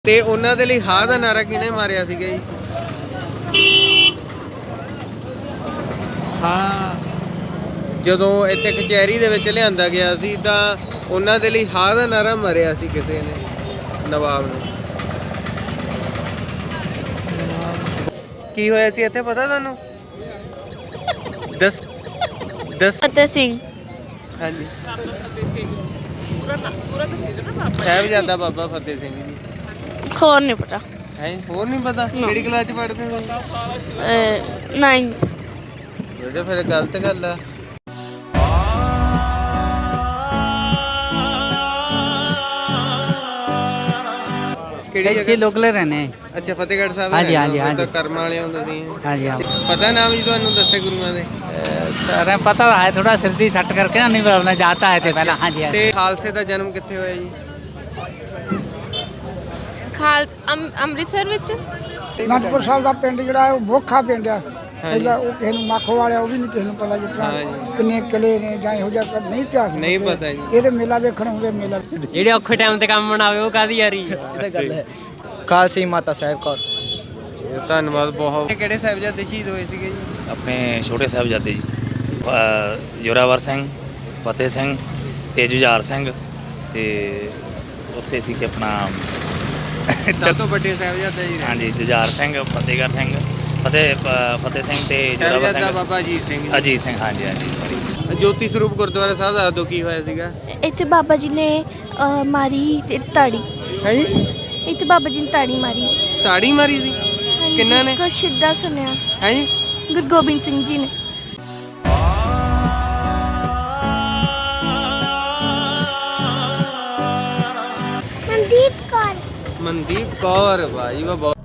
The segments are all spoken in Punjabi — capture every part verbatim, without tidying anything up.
ਤੇ ਉਹਨਾਂ ਦੇ ਲਈ ਹਾਂ ਦਾ ਨਾਰਾ ਕਿਹਨੇ ਮਾਰਿਆ ਸੀਗਾ ਜੀ? ਹਾਂ ਜਦੋਂ ਇੱਥੇ ਕਚਹਿਰੀ ਦੇ ਵਿੱਚ ਲਿਆਂਦਾ ਗਿਆ ਸੀ ਤਾਂ ਉਹਨਾਂ ਦੇ ਲਈ ਹਾਂ ਦਾ ਨਾਰਾ ਮਾਰਿਆ ਸੀ ਕਿਸੇ ਨੇ, ਨਵਾਬ ਨੇ। ਕੀ ਹੋਇਆ ਸੀ ਇੱਥੇ ਪਤਾ ਤੁਹਾਨੂੰ? ਦਸ ਦਸ ਫਤਿਹ ਸਿੰਘ। ਹਾਂਜੀ, ਸਾਹਿਬਜ਼ਾਦਾ ਬਾਬਾ ਫਤਿਹ ਸਿੰਘ ਜੀ। ਹੋਰ ਨਹੀਂ ਪਤਾ। ਹੈ ਹੋਰ ਨਹੀਂ ਪਤਾ? ਕਿਹੜੀ ਕਲਾਸ ਚ ਪੜ੍ਹਦੇ ਹੋ? ਨਾਈਨਥ। ਬੇਟਾ ਫਿਰ ਗਲਤ ਗੱਲ ਆ। ਕਿਹੜੀ ਇੱਥੇ ਲੋਕਲ ਰਹਿੰਦੇ ਹਾਂ। ਅੱਛਾ, ਫਤਿਹਗੜ੍ਹ ਸਾਹਿਬ। ਹਾਂਜੀ ਹਾਂਜੀ ਹਾਂਜੀ ਕਰਮ ਵਾਲੇ ਹੁੰਦੇ ਸੀ। ਹਾਂਜੀ ਹਾਂ। ਪਤਾ ਨਾਮ ਜੀ ਤੁਹਾਨੂੰ ਦੱਸੇ ਗੁਰੂਆਂ ਦੇ? सर पता है थोड़ा सिर दी सट करके ना नहीं बोलना जाता है थे पहला। हाँ जी। ਤੇ ਖਾਲਸੇ ਦਾ ਜਨਮ ਕਿੱਥੇ ਹੋਇਆ ਜੀ? ਖਾਲ ਅੰਮ੍ਰਿਤਸਰ ਵਿੱਚ ਅਨੰਦਪੁਰ ਸਾਹਿਬ ਦਾ ਪਿੰਡ ਜਿਹੜਾ ਹੈ ਉਹ ਮੋਖਾ ਪਿੰਡ ਆ। ਇਹਦਾ ਉਹ ਕਿਸੇ ਨੂੰ ਮੱਖ ਵਾਲਿਆ ਉਹ ਵੀ ਨਹੀਂ ਕਿਸੇ ਨੂੰ ਪਤਾ ਜਿਸ ਤਰ੍ਹਾਂ ਕਿੰਨੇ ਕਿਲੇ ਨੇ ਜਾਂ ਇਹੋ ਜਿਹਾ ਨਹੀਂ ਇਤਿਹਾਸ ਨਹੀਂ ਪਤਾ ਜੀ। ਇਹਦੇ ਮੇਲਾ ਵੇਖਣ ਆਉਂਦੇ ਮੇਲਾ ਜਿਹੜੇ ਔਖੇ ਟਾਈਮ ਤੇ ਕੰਮ ਬਣਾਵੇ ਉਹ ਕਾਦੀ ਯਾਰੀ ਇਹ ਤਾਂ ਗੱਲ ਹੈ। ਖਾਲਸੀ ਮਾਤਾ ਸਾਹਿਬ ਕੌਰ। ਧੰਨਵਾਦ ਬਹੁਤ। ਕਿਹੜੇ ਸਾਹਿਬਜ਼ਾਦੇ ਸ਼ਹੀਦ ਹੋਏ ਸੀਗੇ ਜੀ? ਆਪਣੇ ਛੋਟੇ ਸਾਹਿਬਜ਼ਾਦੇ ਜੀ, ਜੋਰਾਵਰ ਸਿੰਘ, ਫਤਿਹ ਸਿੰਘ ਤੇ ਜੁਝਾਰ ਸਿੰਘ। ਤੇ ਉੱਥੇ ਸੀ ਕਿ ਆਪਣਾ ਸਭ ਤੋਂ ਵੱਡੇ ਸਾਹਿਬਜ਼ਾਦੇ ਜੀ। ਹਾਂਜੀ, ਜੁਝਾਰ ਸਿੰਘ, ਫਤਿਹਗੜ੍ਹ ਸਿੰਘ, ਫਤਿਹ ਫਤਿਹ ਸਿੰਘ ਤੇ ਜੋਰਾਵਰ ਸਾਹਿਬਜ਼ਾਦਾ ਸਿੰਘ, ਬਾਬਾ ਅਜੀਤ ਸਿੰਘ ਜੀ। ਅਜੀਤ ਸਿੰਘ। ਹਾਂਜੀ ਹਾਂਜੀ ਸੌਰੀ। ਜੋਤੀ ਸਰੂਪ ਗੁਰਦੁਆਰਾ ਸਾਹਿਬ ਦਾ ਉਦੋਂ ਕੀ ਹੋਇਆ ਸੀਗਾ? ਇੱਥੇ ਬਾਬਾ ਜੀ ਨੇ ਅਹ, ਮਾਰੀ ਤੇ ਤਾੜੀ। ਹੈ ਜੀ? ਇੱਥੇ ਬਾਬਾ ਜੀ ਨੇ ਤਾੜੀ ਮਾਰੀ। ਤਾੜੀ ਮਾਰੀ ਸੀ? ਕਿੰਨਾਂ ਨੇ? ਕੁਛ ਸਿੱਧਾ ਸੁਣਿਆ। ਹੈ ਜੀ? ਗੁਰੂ ਗੋਬਿੰਦ ਸਿੰਘ ਜੀ ਨੇ। ਮਨਦੀਪ ਕੌਰ। ਮਨਦੀਪ ਕੌਰ। ਭਾਈ ਵਾ ਬਹੁਤ।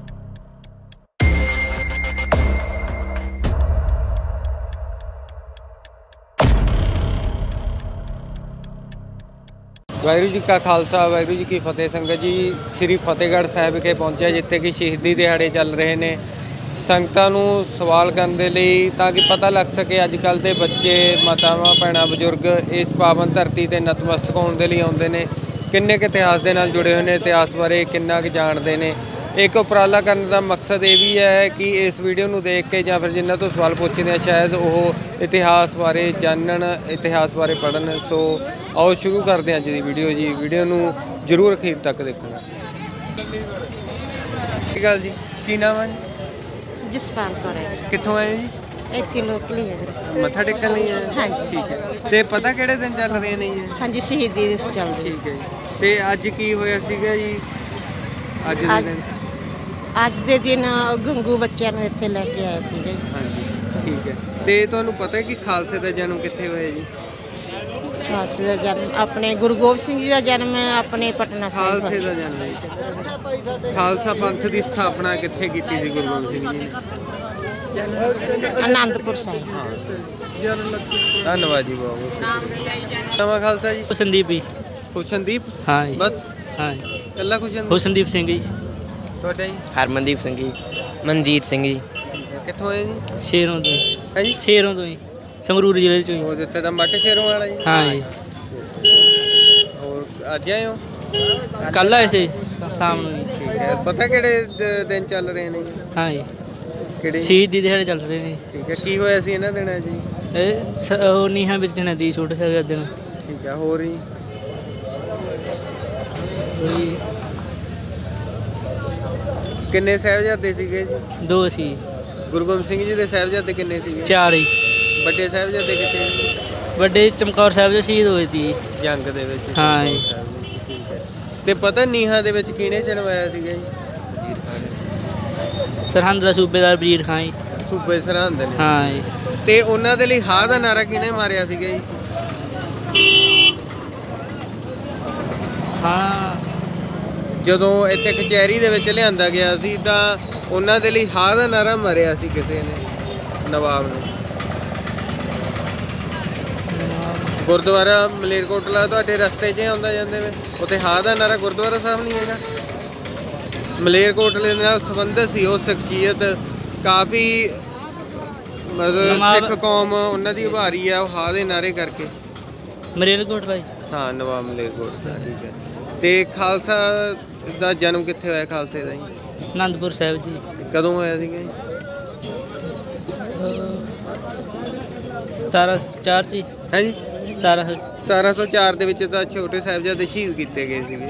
ਵਾਹਿਗੁਰੂ ਜੀ ਕਾ ਖਾਲਸਾ, ਵਾਹਿਗੁਰੂ ਜੀ ਕੀ ਫਤਿਹ। ਸੰਗਤ ਜੀ, ਸ੍ਰੀ ਫਤਿਹਗੜ੍ਹ ਸਾਹਿਬ ਵਿਖੇ ਪਹੁੰਚਿਆ, ਜਿੱਥੇ ਕਿ ਸ਼ਹੀਦੀ ਦਿਹਾੜੇ ਚੱਲ ਰਹੇ ਨੇ। ਸੰਗਤਾਂ ਨੂੰ ਸਵਾਲ ਕਰਨ ਦੇ ਲਈ ਤਾਂ ਕਿ ਪਤਾ ਲੱਗ ਸਕੇ ਅੱਜ ਕੱਲ੍ਹ ਦੇ ਬੱਚੇ, ਮਾਤਾਵਾਂ, ਭੈਣਾਂ, ਬਜ਼ੁਰਗ ਇਸ ਪਾਵਨ ਧਰਤੀ 'ਤੇ ਨਤਮਸਤਕ ਹੋਣ ਦੇ ਲਈ ਆਉਂਦੇ ਨੇ। ਕਿੰਨੇ ਕੁ ਇਤਿਹਾਸ ਦੇ ਨਾਲ ਜੁੜੇ ਹੋਏ ਨੇ, ਇਤਿਹਾਸ ਬਾਰੇ ਕਿੰਨਾ ਕੁ ਜਾਣਦੇ ਨੇ। ਇੱਕ ਉਪਰਾਲਾ ਕਰਨ ਦਾ ਮਕਸਦ ਇਹ ਵੀ ਹੈ ਕਿ ਇਸ ਵੀਡੀਓ ਨੂੰ ਦੇਖ ਕੇ ਜਾਂ ਫਿਰ ਜਿਨ੍ਹਾਂ ਤੋਂ ਸਵਾਲ ਪੁੱਛਦੇ ਆ ਸ਼ਾਇਦ ਉਹ ਇਤਿਹਾਸ ਬਾਰੇ ਜਾਣਨ, ਇਤਿਹਾਸ ਬਾਰੇ ਪੜ੍ਹਨ। ਸੋ ਆਓ ਸ਼ੁਰੂ ਕਰਦੇ ਹਾਂ ਅੱਜ ਦੀ ਵੀਡੀਓ ਜੀ। ਵੀਡੀਓ ਨੂੰ ਜ਼ਰੂਰ ਅਖੀਰ ਤੱਕ ਦੇਖਣਾ। ਕੀ ਗੱਲ ਜੀ, ਕੀ ਨਾਮ ਹੈ? ਜਸਪਾਲ ਕੌਰ ਹੈ। ਕਿੱਥੋਂ ਆਏ ਜੀ? ਇੱਥੇ ਲੋਕਲ ਹੀ ਹੈ ਵੀਰੇ। ਮੱਥਾ ਟੇਕਣ ਲਈ ਆਏ? ਹਾਂਜੀ। ਠੀਕ ਹੈ। ਤੇ ਪਤਾ ਕਿਹੜੇ ਦਿਨ ਚੱਲ ਰਹੇ ਨੇ ਜੀ? ਹਾਂਜੀ, ਸ਼ਹੀਦੀ ਦਿਵਸ ਚੱਲਦੇ। ਠੀਕ ਹੈ ਜੀ। ਤੇ ਅੱਜ ਕੀ ਹੋਇਆ ਸੀਗਾ ਜੀ? ਅੱਜ ਦੇ ਦਿਨ ਅੱਜ ਦੇ ਦਿਨ ਗੰਗੂ ਬੱਚਿਆਂ ਨੂੰ ਇੱਥੇ ਲੈ ਕੇ ਆਏ ਸੀਗੇ। ਹਾਂਜੀ, ਠੀਕ ਹੈ। ਤੇ ਤੁਹਾਨੂੰ ਪਤਾ ਹੈ ਕਿ ਖਾਲਸੇ ਦਾ ਜਨਮ ਕਿੱਥੇ ਹੋਇਆ ਜੀ? ਖਾਲਸੇ ਦਾ ਜਨਮ ਆਪਣੇ ਗੁਰੂ ਗੋਬਿੰਦ ਸਿੰਘ ਜੀ ਦਾ ਜਨਮ ਆਪਣੇ ਪਟਨਾ ਸਾਹਿਬ ਖਾਲਸੇ ਦਾ ਜਨਮ ਜੀ। ਖਾਲਸਾ ਪੰਥ ਦੀ ਸਥਾਪਨਾ ਕਿੱਥੇ ਕੀਤੀ ਸੀ ਗੁਰੂ ਗੋਬਿੰਦ ਸਿੰਘ ਜੀ ਨੇ? ਅਨੰਦਪੁਰ ਸਾਹਿਬ। ਧੰਨਵਾਦ ਜੀ ਬਹੁਤ। ਨਵਾਂ ਖਾਲਸਾ ਜੀ। ਹੁਸਨਦੀਪ ਜੀ। ਖੁਸ਼ਨਦੀਪ? ਹਾਂ ਜੀ। ਬਸ ਹਾਂ ਕੱਲਾ ਖੁਸ਼ਨਦੀਪ? ਹੁਸਨਦੀਪ ਸਿੰਘ ਜੀ। ਤੁਹਾਡਾ ਜੀ? ਹਰਮਨਦੀਪ ਸਿੰਘ ਜੀ। ਮਨਜੀਤ ਸਿੰਘ ਜੀ। ਕਿੱਥੋਂ ਆਏ ਜੀ? ਸ਼ੇਰੋਂ ਤੋਂ ਜੀ। ਹੈ ਜੀ? ਸ਼ੇਰੋਂ ਤੋਂ ਜੀ, ਸੰਗਰੂਰ ਜ਼ਿਲ੍ਹੇ ਚੋਂ ਜੀ। ਉਹ ਜਿੱਥੇ ਦਾ ਮੱਟ ਸ਼ੇਰੋਂ ਵਾਲਾ ਜੀ? ਹਾਂ ਜੀ। ਹੋਰ ਅੱਜ ਆਏ ਹੋ? ਕੱਲ ਆਏ ਸੀ ਸ਼ਾਮ ਨੂੰ ਜੀ। ਠੀਕ ਹੈ। ਪਤਾ ਕਿਹੜੇ ਦ- ਦਿਨ ਚੱਲ ਰਹੇ ਨੇ ਜੀ? ਹਾਂ ਜੀ। ਕਿਹੜੇ? ਸ਼ਹੀਦੀ ਦਿਹਾੜੇ ਚੱਲ ਰਹੇ ਨੇ। ਠੀਕ ਹੈ। ਕੀ ਹੋਇਆ ਸੀ ਇਹਨਾਂ ਦਿਨਾਂ 'ਚ ਜੀ? ਇਹ ਸ- ਉਹ ਨੀਹਾਂ ਵਿੱਚ ਜਣਾ ਦੀ ਛੋਟੇ ਸਾਹਿਬਜ਼ਾਦੇ ਨੂੰ। ਠੀਕ ਹੈ। ਹੋਰ ਜੀ? ਉਹੀ ਕਿੰਨੇ ਸਾਹਿਬਜ਼ਾਦੇ ਸੀਗੇ ਜੀ? ਦੋ ਸੀ। ਗੁਰੂ ਗੋਬਿੰਦ ਸਿੰਘ ਜੀ ਦੇ ਸਾਹਿਬਜ਼ਾਦੇ ਕਿੰਨੇ ਸੀਗੇ? ਚਾਰ ਹੀ। ਵੱਡੇ ਸਾਹਿਬਜ਼ਾਦੇ ਕਿੱਥੇ ਜੀ? ਵੱਡੇ ਚਮਕੌਰ ਸਾਹਿਬ ਦੇ ਸ਼ਹੀਦ ਹੋਏ ਸੀ। ਜੰਗ ਦੇ ਵਿੱਚ? ਹਾਂ ਜੀ। ਠੀਕ ਹੈ। ਤੇ ਪਤਾ ਨੀਹਾਂ ਦੇ ਵਿੱਚ ਕਿਹਨੇ ਚਣਵਾਇਆ ਸੀਗਾ ਜੀ? ਸਰਹੰਦ ਦਾ ਸੂਬੇਦਾਰ ਵਜ਼ੀਰ ਖਾਂ ਜੀ। ਸੂਬੇ ਸਰਹੰਦ ਨੇ? ਹਾਂ ਜੀ। ਤੇ ਉਹਨਾਂ ਦੇ ਲਈ ਹਾਂ ਦਾ ਨਾਰਾ ਕਿਹਨੇ ਮਾਰਿਆ ਸੀਗਾ ਜੀ? ਹਾਂ ਜਦੋਂ ਇੱਥੇ ਕਚਹਿਰੀ ਦੇ ਵਿੱਚ ਲਿਆਂਦਾ ਗਿਆ ਸੀ ਤਾਂ ਉਹਨਾਂ ਦੇ ਲਈ ਹਾਂ ਦਾ ਨਾਰਾ ਮਾਰਿਆ ਸੀ ਕਿਸੇ ਨੇ, ਨਵਾਬ ਨੇ। ਗੁਰਦੁਆਰਾ ਮਲੇਰਕੋਟਲਾ ਤੁਹਾਡੇ ਰਸਤੇ 'ਚ ਆਉਂਦਾ ਜਾਂਦੇ ਵੇ, ਉੱਥੇ ਹਾਂ ਦਾ ਨਾਰਾ ਗੁਰਦੁਆਰਾ ਸਾਹਿਬ ਨਹੀਂ ਹੈਗਾ? ਮਲੇਰਕੋਟਲੇ ਨਾਲ ਸੰਬੰਧਿਤ ਸੀ ਉਹ ਸ਼ਖਸੀਅਤ, ਕਾਫੀ ਮਤਲਬ ਸਿੱਖ ਕੌਮ ਉਹਨਾਂ ਦੀ ਉਭਾਰੀ ਆ ਉਹ ਹਾਂ ਦੇ ਨਾਰੇ ਕਰਕੇ। ਮਲੇਰਕੋਟਲਾ ਜੀ। ਹਾਂ, ਨਵਾਬ ਮਲੇਰਕੋਟਲਾ। ਠੀਕ ਹੈ। ਤੇ ਖਾਲਸਾ ਦਾ ਜਨਮ ਕਿੱਥੇ ਹੋਇਆ ਖਾਲਸੇ ਦਾ ਜੀ? ਆਨੰਦਪੁਰ ਸਾਹਿਬ ਜੀ। ਕਦੋਂ ਹੋਇਆ ਸੀਗਾ ਜੀ? ਸਤਾਰਾਂ ਚਾਰ ਸੀ। ਹੈ ਜੀ ਸਤਾਰਾਂ ਸਤਾਰਾਂ ਸੌ ਚਾਰ ਦੇ ਵਿੱਚ ਤਾਂ ਛੋਟੇ ਸਾਹਿਬਜ਼ਾਦੇ ਸ਼ਹੀਦ ਕੀਤੇ ਗਏ ਸੀਗੇ।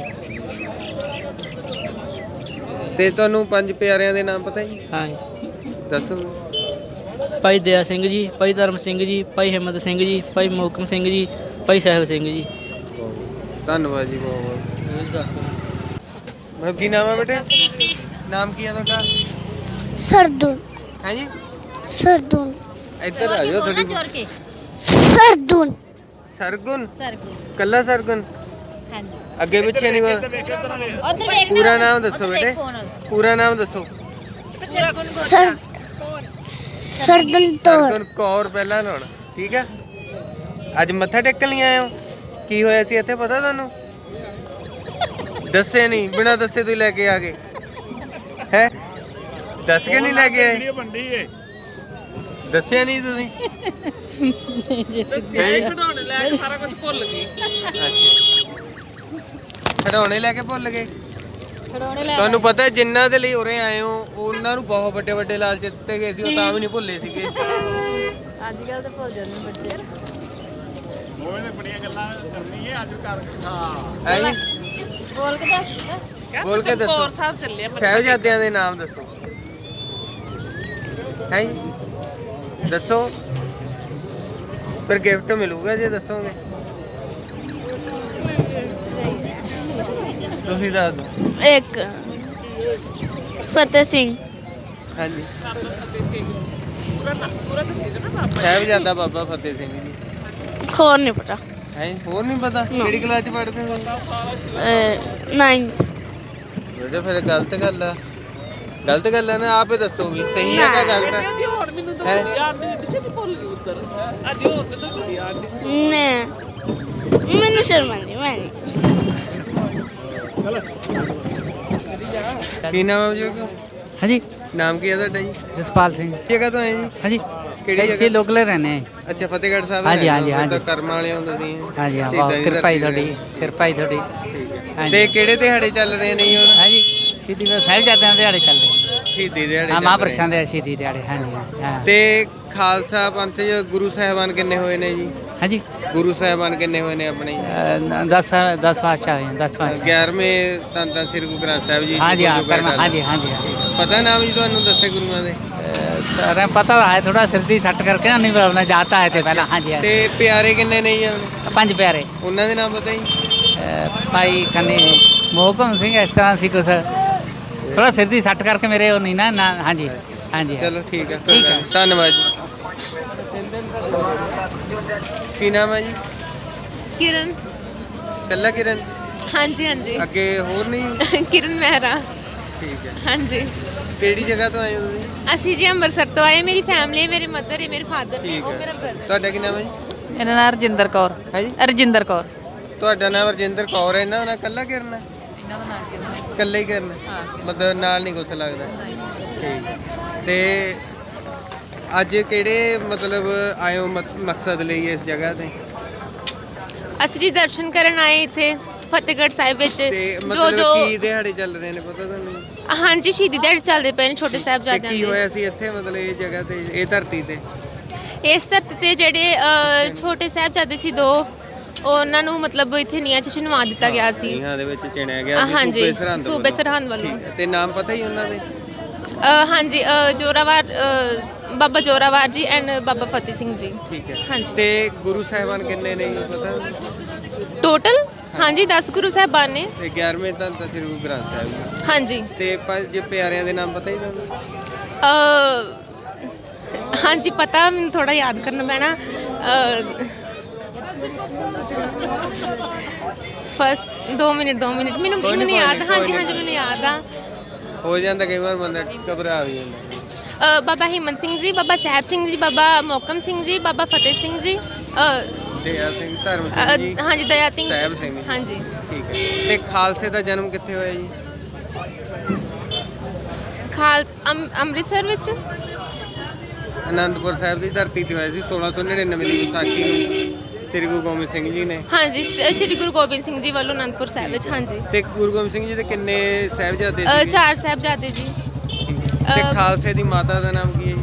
ਤੇ ਤੁਹਾਨੂੰ ਪੰਜ ਪਿਆਰਿਆਂ ਦੇ ਨਾਮ ਪਤਾ ਜੀ? ਹਾਂ। ਦੱਸੋ। ਭਾਈ ਦਇਆ ਸਿੰਘ ਜੀ, ਭਾਈ ਧਰਮ ਸਿੰਘ ਜੀ, ਭਾਈ ਹਿੰਮਤ ਸਿੰਘ ਜੀ, ਭਾਈ ਮੋਹਕਮ ਸਿੰਘ ਜੀ, ਭਾਈ ਸਾਹਿਬ ਸਿੰਘ ਜੀ। ਧੰਨਵਾਦ ਜੀ ਬਹੁਤ ਬਹੁਤ। ਮੈਂ ਕੀ ਨਾਮ ਹੈ ਬੇਟੇ? ਨਾਮ ਕੀ ਹੈ ਤੁਹਾਡਾ? ਸਰਦੂਨ ਹੈ ਜੀ ਸਰਦੂਨ ਇੱਧਰ ਆ ਜਾਓ ਥੋੜੀ। ਸਰਦੂਨ ਸਰਗੁਣ ਸਰਗੁਣ ਕੱਲਾ ਸਰਗੁਣ ਹਾਂਜੀ ਅੱਗੇ ਪਿੱਛੇ ਨਹੀਂ ਕੋਈ? ਉਧਰ ਵੇਖ ਪੂਰਾ ਨਾਮ ਦੱਸੋ ਬੇਟੇ, ਪੂਰਾ ਨਾਮ ਦੱਸੋ। ਸਰ ਸਰਦੂਨ ਤੋਰ ਸਰਗੁਣ ਕੌਰ ਪਹਿਲਾਂ ਲਾਉਣਾ, ਠੀਕ ਹੈ। ਅੱਜ ਮੱਥਾ ਟੇਕਣ ਲਈ ਆਏ ਹੋ? ਕੀ ਹੋਇਆ ਸੀ ਇੱਥੇ ਪਤਾ ਤੁਹਾਨੂੰ? ਦੱਸੇ ਨਹੀਂ, ਬਿਨਾਂ ਦੱਸੇ ਤੁਸੀਂ ਲੈ ਕੇ ਆ ਗਏ ਹੈ? ਦੱਸ ਕੇ ਨਹੀਂ ਲੈ ਕੇ ਆਏ? ਦੱਸਿਆ ਨਹੀਂ ਤੁਸੀਂ? ਖਿਡੌਣੇ ਲੈ ਕੇ ਸਾਰਾ ਕੁਝ ਭੁੱਲ ਗਏ। ਅੱਛਾ ਖਿਡੌਣੇ ਲੈ ਕੇ ਭੁੱਲ ਗਏ। ਖੜੋਣੇ ਲੈ ਤੁਹਾਨੂੰ ਪਤਾ ਹੈ ਜਿਨ੍ਹਾਂ ਦੇ ਲਈ ਉਰੇ ਆਏ ਹੋ ਉਹਨਾਂ ਨੂੰ ਬਹੁਤ ਵੱਡੇ ਵੱਡੇ ਲਾਲਚ ਦਿੱਤੇ ਗਏ ਸੀ, ਉਹ ਤਾਂ ਵੀ ਨਹੀਂ ਭੁੱਲੇ ਸੀਗੇ। ਅੱਜ ਕੱਲ ਤਾਂ ਭੁੱਲ ਜਾਂਦੇ ਬੱਚੇ। ਹੈ ਜੀ ਬੋਲ ਕੇ ਦੱਸ। ਬੋਲ ਕੇ ਦੱਸੋ। ਸਾਹਿਬ ਚੱਲੇ ਸਾਹਿਬਜ਼ਾਦਿਆਂ ਦੇ ਨਾਮ ਦੱਸੋ। ਹੈ ਜੀ ਦੱਸੋ, ਫਿਰ ਗਿਫਟ ਮਿਲੂਗਾ ਜੇ ਦੱਸੋਗੇ। ਤੁਸੀਂ ਦੱਸ ਦਿਓ। ਇੱਕ ਫਤਿਹ ਸਿੰਘ ਹਾਂਜੀ ਸਾਹਿਬਜ਼ਾਦਾ ਬਾਬਾ ਫਤਿਹ ਸਿੰਘ ਜੀ। ਹੋਰ ਨਹੀਂ ਪਤਾ। ਹੈ ਹੋਰ ਨਹੀਂ ਪਤਾ? ਕਿਹੜੀ ਕਲਾਸ ਚ ਪੜ੍ਹਦੇ ਹੋ? ਨਾਈਨਥ ਬੇਟੇ ਫਿਰ ਗਲਤ ਗੱਲ ਆ, ਗਲਤ ਗੱਲ ਆ ਨਾ। ਆਪੇ ਦੱਸੋ ਵੀ ਸਹੀ ਹੈ ਕਿ ਗਲਤ ਹੈ? ਨੇ ਮੈਨੂੰ ਸ਼ਰਮ ਆਉਂਦੀ ਮੈਂ ਨਹੀਂ। ਕੀ ਨਾਮ ਹੈ ਜੀ? ਹਾਂਜੀ। ਨਾਮ ਕੀ ਹੈ ਤੁਹਾਡਾ ਜੀ? ਜਸਪਾਲ ਸਿੰਘ। ਜਗ੍ਹਾ ਤੋਂ ਆਏ ਜੀ? ਹਾਂਜੀ। ਕਿਹੜੀ ਇੱਥੇ ਜਗ੍ਹਾ? ਲੋਕਲ ਰਹਿੰਦੇ ਆ। ਅੱਛਾ ਫਤਿਹਗੜ੍ਹ ਸਾਹਿਬ। ਹਾਂਜੀ, ਹਾਂਜੀ, ਰਹਿੰਦੇ ਹੋ, ਹਾਂਜੀ। ਤਾਂ ਕਰਮ ਵਾਲੇ ਹੁੰਦੇ ਸੀ। ਹਾਂਜੀ ਹਾਂ, ਸ਼ਹੀਦਾਂ ਬਹੁਤ ਦੀ ਕਿਰਪਾ ਹੀ ਧਰਤੀ ਤੁਹਾਡੀ, ਕਿਰਪਾ ਹੀ ਤੁਹਾਡੀ। ਠੀਕ ਹੈ। ਹਾਂਜੀ। ਤੇ ਕਿਹੜੇ ਦਿਹਾੜੇ ਚੱਲ ਰਹੇ ਨੇ ਜੀ ਹੁਣ? ਹਾਂਜੀ ਸ਼ਹੀਦੀ ਦੇ ਸਾਹਿਬਜ਼ਾਦਿਆਂ ਦੇ ਦਿਹਾੜੇ ਚੱਲਦੇ। ਸ਼ਹੀਦੀ ਦਿਹਾੜੇ ਹਾਂ ਚੱਲ ਮਹਾਂਪੁਰਸ਼ਾਂ ਰਹੇ ਦੇ ਸ਼ਹੀਦੀ ਦਿਹਾੜੇ। ਹਾਂਜੀ ਹਾਂ। ਤੇ ਖਾਲਸਾ ਪੰਥ ਚ ਗੁਰੂ ਸਾਹਿਬਾਨ ਕਿੰਨੇ ਹੋਏ ਨੇ ਜੀ? ਹਾਂਜੀ ਗੁਰੂ ਸਾਹਿਬਾਨ ਕਿੰਨੇ ਹੋਏ ਨੇ ਆਪਣੇ? ਦਸ ਦਸ ਪਾਤਸ਼ਾਹ ਹੋਏ ਨੇ, ਦਸ ਪਾਤਸ਼ਾਹ। ਗਿਆਰਵੇਂ ਧੰਨ ਧੰਨ ਸ੍ਰੀ ਗੁਰੂ ਗ੍ਰੰਥ ਸਾਹਿਬ ਜੀ। ਹਾਂਜੀ ਹਾਂ ਗੁਰੂ ਗ੍ਰੰਥ ਕਰਮ। ਹਾਂਜੀ ਹਾਂਜੀ ਹਾਂ। ਪਤਾ ਨਾਮ ਜੀ ਤੁਹਾਨੂੰ ਦੱਸੇ ਗੁਰੂਆਂ ਦੇ? सर पता है थोड़ा सिरदी सट करके ना नहीं बोलना जाता है थे पहला। हाँ जी हाँ ਤੇ ਪਿਆਰੇ ਕਿੰਨੇ ਨੇ ਜੀ ਆਪਣੇ? पंज प्यारे ਉਹਨਾਂ ਦੇ ਨਾਮ ਪਤਾ ਜੀ? भाई कन्नी मोहकम सिंह इस तरह सी कुछ थोड़ा सिरदी सट करके मेरे वो नहीं ना ना। हाँ जी हाँ जी। ਚਲੋ ਠੀਕ ਹੈ, ਠੀਕ ਹੈ। ਧੰਨਵਾਦ ਜੀ। ਕੀ ਨਾਮ ਹੈ ਜੀ? ਕਿਰਨ। ਕੱਲਾ ਕਿਰਨ? ਹਾਂਜੀ ਹਾਂਜੀ ਅੱਗੇ ਹੋਰ ਨਹੀਂ? ਕਿਰਨ ਮਹਿਰਾ। ਠੀਕ ਹੈ। ਹਾਂਜੀ ਕਿਹੜੀ ਜਗ੍ਹਾ ਤੋਂ ਆਏ ਹੋ ਤੁਸੀਂ? ਅਸੀਂ ਜੀ ਅੰਮ੍ਰਿਤਸਰ ਤੋਂ ਆਏ। ਮੇਰੀ ਫੈਮਿਲੀ ਹੈ, ਮੇਰੇ ਮਦਰ ਹੈ, ਮੇਰੇ ਫਾਦਰ ਨੇ, ਠੀਕ ਉਹ ਹੈ। ਮੇਰਾ ਬ੍ਰਦਰ। ਤੁਹਾਡਾ ਕੀ ਨਾਮ ਹੈ ਜੀ? मेरा नाम रजिंदर कौर। ਹੈ ਜੀ रजिंदर कौर। ਤੁਹਾਡਾ ਨਾਮ ਰਜਿੰਦਰ ਕੌਰ ਹੈ। ਇਹਨਾਂ ਦਾ ਕੱਲਾ ਕਿਰਨ ਹੈ? ਕੱਲਾ ਹੀ ਕਿਰਨ ਹੈ? ਮਤਲਬ ਨਾਲ ਨਹੀਂ ਕੁਛ ਲੱਗਦਾ? ਠੀਕ ਹੈ। ਤੇ ਅੱਜ ਕਿਹੜੇ ਮਤਲਬ ਆਏ ਹੋ ਮਕ- ਮਕਸਦ ਲਈ ਇਸ ਜਗ੍ਹਾ ਤੇ? ਅਸੀਂ ਜੀ ਦਰਸ਼ਨ ਕਰਨ ਆਏ ਇੱਥੇ ਫਤਿਹਗੜ੍ਹ ਸਾਹਿਬ ਵਿੱਚ। ਤੇ ਜੋ ਮਤਲਬ ਜੋ ਕੀ ਦਿਹਾੜੇ ਚੱਲ ਰਹੇ ਨੇ ਪਤਾ ਤੁਹਾਨੂੰ? ਹਾਂਜੀ ਸ਼ਹੀਦੀ ਦਿਹਾੜੇ ਚੱਲਦੇ ਪਏ ਨੇ ਛੋਟੇ ਤੇ ਸਾਹਿਬਜ਼ਾਦਿਆਂ ਕੀ ਦੇ। ਹੋਇਆ ਸੀ ਇੱਥੇ ਮਤਲਬ ਇਹ ਜਗ੍ਹਾ ਤੇ, ਇਹ ਧਰਤੀ ਤੇ? ਇਸ ਧਰਤੀ ਤੇ ਜਿਹੜੇ ਅ, ਛੋਟੇ ਸਾਹਿਬਜ਼ਾਦੇ ਸੀ ਦੋ, ਉਹਨਾਂ ਨੂੰ ਮਤਲਬ ਇੱਥੇ ਨੀਹਾਂ 'ਚ ਚਿਣਵਾ ਦਿੱਤਾ ਗਿਆ ਸੀ। ਨੀਹਾਂ ਦੇ ਵਿੱਚ ਚਿਣਿਆ ਗਿਆ ਸੀ ਹਾਂਜੀ ਸੂਬੇ ਸਰਹੰਦ ਸੂਬੇ ਵੱਲੋਂ। ਸਰਹੰਦ ਵੱਲੋਂ। ਠੀਕ ਹੈ। ਤੇ ਨਾਮ ਪਤਾ ਹੀ ਉਹਨਾਂ ਦੇ? ਅ, ਹਾਂਜੀ ਅ, ਜੋਰਾਵਰ ਅ, ਬਾਬਾ ਜੋਰਾਵਰ ਜੀ ਐਂਡ ਬਾਬਾ ਫਤਿਹ ਸਿੰਘ ਜੀ। ਠੀਕ ਹੈ। ਹਾਂਜੀ। ਤੇ ਗੁਰੂ ਸਾਹਿਬਾਨ ਕਿੰਨੇ ਨੇ ਜੀ ਪਤਾ? ਟੋਟਲ ਹਾਂਜੀ ਦਸ ਗੁਰੂ ਸਾਹਿਬਾਨ ਨੇ। ਤੇ ਗਿਆਰਵੇਂ ਧੰਨ ਧੰਨ ਸ੍ਰੀ ਗੁਰੂ ਗ੍ਰੰਥ ਸਾਹਿਬ ਜੀ। ਹਾਂਜੀ ਤੇ ਪੰਜ ਪਿਆਰਿਆਂ ਦੇ ਨਾਮ ਪਤਾ ਹੀ ਤੁਹਾਨੂੰ? ਅ, ਹਾਂਜੀ ਪਤਾ, ਮੈਨੂੰ ਥੋੜਾ ਯਾਦ ਕਰਨਾ ਪੈਣਾ। ਫਸਟ ਦੋ ਮਿੰਟ ਦੋ ਮਿੰਟ ਮੈਨੂੰ ਕੋਈ ਨੀ, ਮੈਨੂੰ ਕੋਈ ਯਾਦ। ਨੀ, ਹਾਂਜੀ ਕੋਈ ਹਾਂਜੀ ਨੀ। ਮੈਨੂੰ ਯਾਦ ਆ। ਹੋ ਜਾਂਦਾ ਕਈ ਵਾਰ ਬੰਦਾ ਘਬਰਾ ਵੀ ਜਾਂਦਾ। ਅ, ਬਾਬਾ ਹਿੰਮਤ ਸਿੰਘ ਜੀ, ਬਾਬਾ ਸਾਹਿਬ ਸਿੰਘ ਜੀ, ਬਾਬਾ ਮੋਹਕਮ ਸਿੰਘ ਜੀ, ਬਾਬਾ ਫਤਿਹ ਸਿੰਘ ਜੀ, ਅ, ਦਇਆ ਸਿੰਘ, ਧਰਮ ਅ, ਸਿੰਘ ਜੀ, ਹਾਂਜੀ ਦਇਆ ਸਿੰਘ ਸਾਹਿਬ ਸਿੰਘ ਜੀ। ਹਾਂਜੀ। ਠੀਕ ਹੈ। ਤੇ ਖਾਲਸੇ ਦਾ ਜਨਮ ਕਿੱਥੇ ਹੋਇਆ ਜੀ? ਖਾਲ ਅੰਮ- ਅੰਮ੍ਰਿਤਸਰ ਵਿੱਚ। ਅਨੰਦਪੁਰ ਸਾਹਿਬ ਦੀ ਧਰਤੀ ਤੇ ਹੋਇਆ ਸੀ ਸੋਲਾਂ ਸੌ ਨੜਿਨਵੇਂ ਦੀ ਵਿਸਾਖੀ ਨੂੰ। ਸ੍ਰੀ ਗੁਰੂ ਗੋਬਿੰਦ ਸਿੰਘ ਜੀ ਨੇ। ਹਾਂਜੀ ਸ਼- ਸ਼੍ਰੀ ਗੁਰੂ ਗੋਬਿੰਦ ਸਿੰਘ ਜੀ ਵੱਲੋਂ ਅਨੰਦਪੁਰ ਸਾਹਿਬ ਵਿੱਚ। ਹਾਂਜੀ ਤੇ ਗੁਰੂ ਗੋਬਿੰਦ ਸਿੰਘ ਜੀ ਦੇ ਕਿੰਨੇ ਸਾਹਿਬਜ਼ਾਦੇ ਅ, ਸੀ? ਚਾਰ ਸਾਹਿਬਜ਼ਾਦੇ ਜੀ। ਤੇ ਅ, ਖਾਲਸੇ ਦੀ ਮਾਤਾ ਦਾ ਨਾਮ ਕੀ ਹੈ ਜੀ?